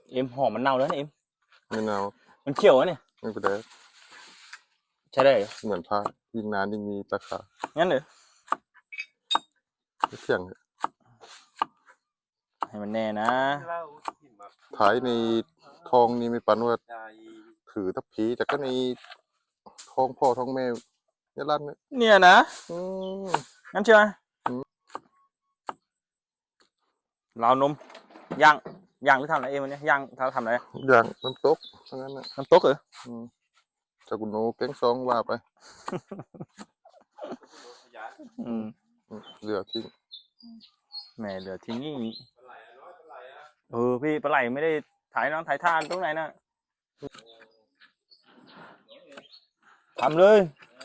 เอ็มหอมมันเน่าแล้วนะเอ็มไม่เน่ามันเขียวอะเนี่ยไม่เป็นไรใช่ได้เหรอเหมือนผ้ายิ่งนานยิ่งมีราคางั้นเหรอเที่ยงให้มันแน่นะท้ายในทองนี่ไม่ปันว่าถือทัพพีแต่ก็ในทองพ่อทองแม่เนี่ยลั่นเนี่ยนะงั้นใช่ไหมเรานมย่างหรือทำอะไรเอ็มวันนี้ย่างทำอะไรอย่างน้ำตกทั้งนั้นนะน้ำตกเหรอจากกุโนแกงซองว่าไปเหลือทิ้งแหมเหลือทิ้งนี่พี่ปลาไหลไม่ได้ถ่ายน้องถ่ายท่านตรงไหนนะทำเลย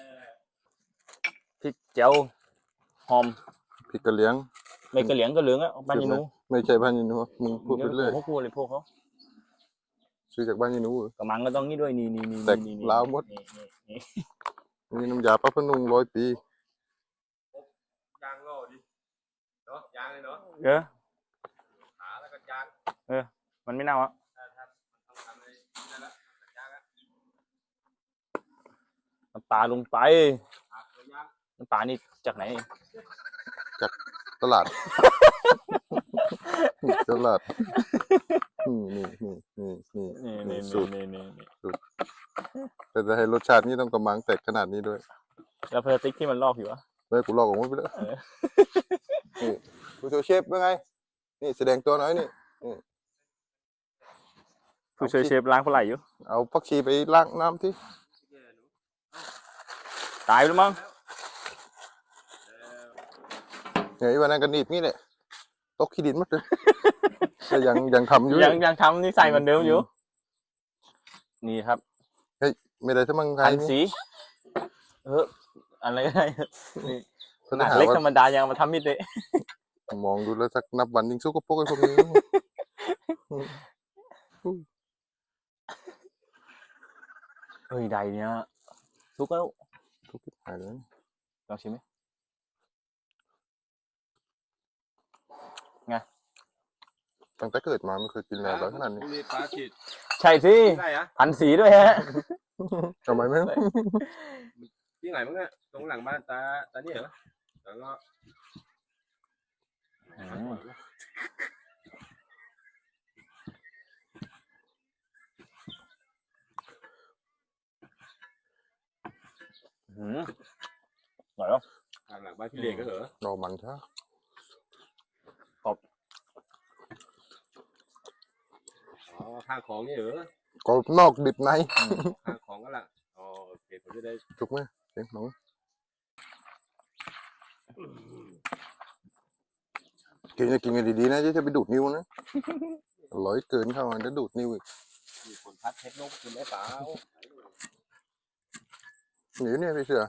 พริกเจียวหอมพริกกระเหลียงไม่กระเหลียงก็เหลืองอ่ะบ้านยีนูไม่ใช่บ้านยีนูมึงพูดไปเรื่อยเขาพูดเลยพวกเขาซื้อจากบ้านยีนูกระมังก็ต้องนี่ด้วยนี่แต่ลาวมดนี่น้ำยาป้าพนุ่ง100 ปียางโล่ดิเนาะยางเลยเนาะขาแล้วก็ยางมันไม่เน่าอ่ะน้ำปลาลงไปน้ำปลานี่จากไหนจากตลาดนี่สูตรแต่จะให้รสชาตินี่ต้องกำมังแตกขนาดนี้ด้วยแล้วพลาสติกที่มันลอกอยู่วะไม่กูลอกออกมาไปแล้วนี่ผู้ช่วยเชฟเป็นไงนี่แสดงตัวน้อยนี่ผู้ช่วยเชฟล้างปลาไหลอยู่เอาผักชีไปล้างน้ำที่ตายไปแล้วมั้งเนี่ยวันนั้นกันหนีบนี่แหละตกขี้ดินหมดเลยแต่ยังทำอยู่ยังทำนี่ใส่เหมือนเดิมอยู่นี่ครับเฮ้ยไม่ได้ทั้งมังไงพันสีอะไรได้นี่ขนาดเล็กธรรมดายังมาทำมิดเลยมองดูแล้วสักนับวันยิงสู้กับพวกไอ้พวกนี้ใดเนี่ยทุกแล้วทุกที่หายเลยลองชิมไหมไงตั้งแต่เกิดมาไม่เคยกินอะไรขนาดนี้ใช่สิพันสีด้วยฮะทำไมไม่ที่ไหนมั้งเนี่ยตรงหลังบ้านตาเนี่ยเหรอแล้วก็อร่อยแล้วหลังบ้านพี่เล็กก็เหรอรอมันใช่ข้างของนี่เหรอก็นอกดิบในข้างของก็ละโอเคผมจะได้ถูกไหมเสียงหนูกินจะกินกันดีๆนะจะไปดูดนิ้วนะอร่อยเกินเข้ามาจะดูดนิ้วอีกมีคนพัดเพชรนกกินได้เปล่าหนีเนี่ยพี่เสือ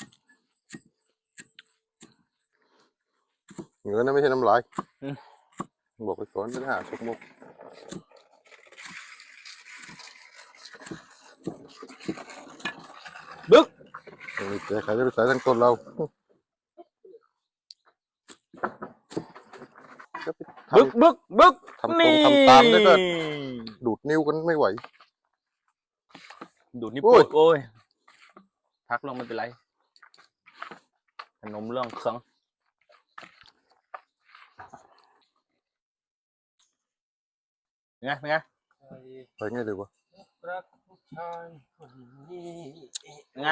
เหงื่อนะไม่ใช่น้ำลายบอกไปก่อนเป็นหาสกมกบึ๊กแต่ใครจะไปใส่ทั้งต้นเราบึกทำตรงทำตามได้ก็ดูดนิ้วกันไม่ไหวดูดนิ้วปวดโอ้ยพักลงไม่เป็นไรขนมเรื่องเครื่องเป็นไงไปไงดีวะไง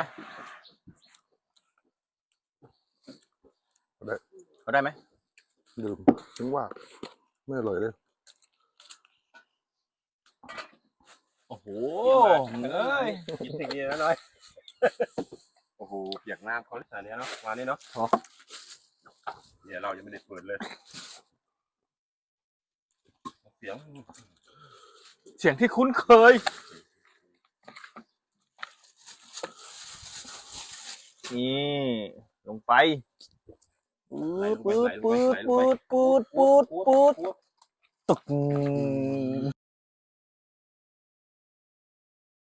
เขาได้ไหมดื่มถึงว่าไม่อร่อยเลยโอ้โหกินสิ่งนี้แล้วน้อยโอ้โหเปียกน้ำเขาอันนี้เนาะมานี่เนาะเนี่ยเรายังไม่ได้เปิดเลยเสียงที่คุ้นเคยนี่ลงไปปืดตึก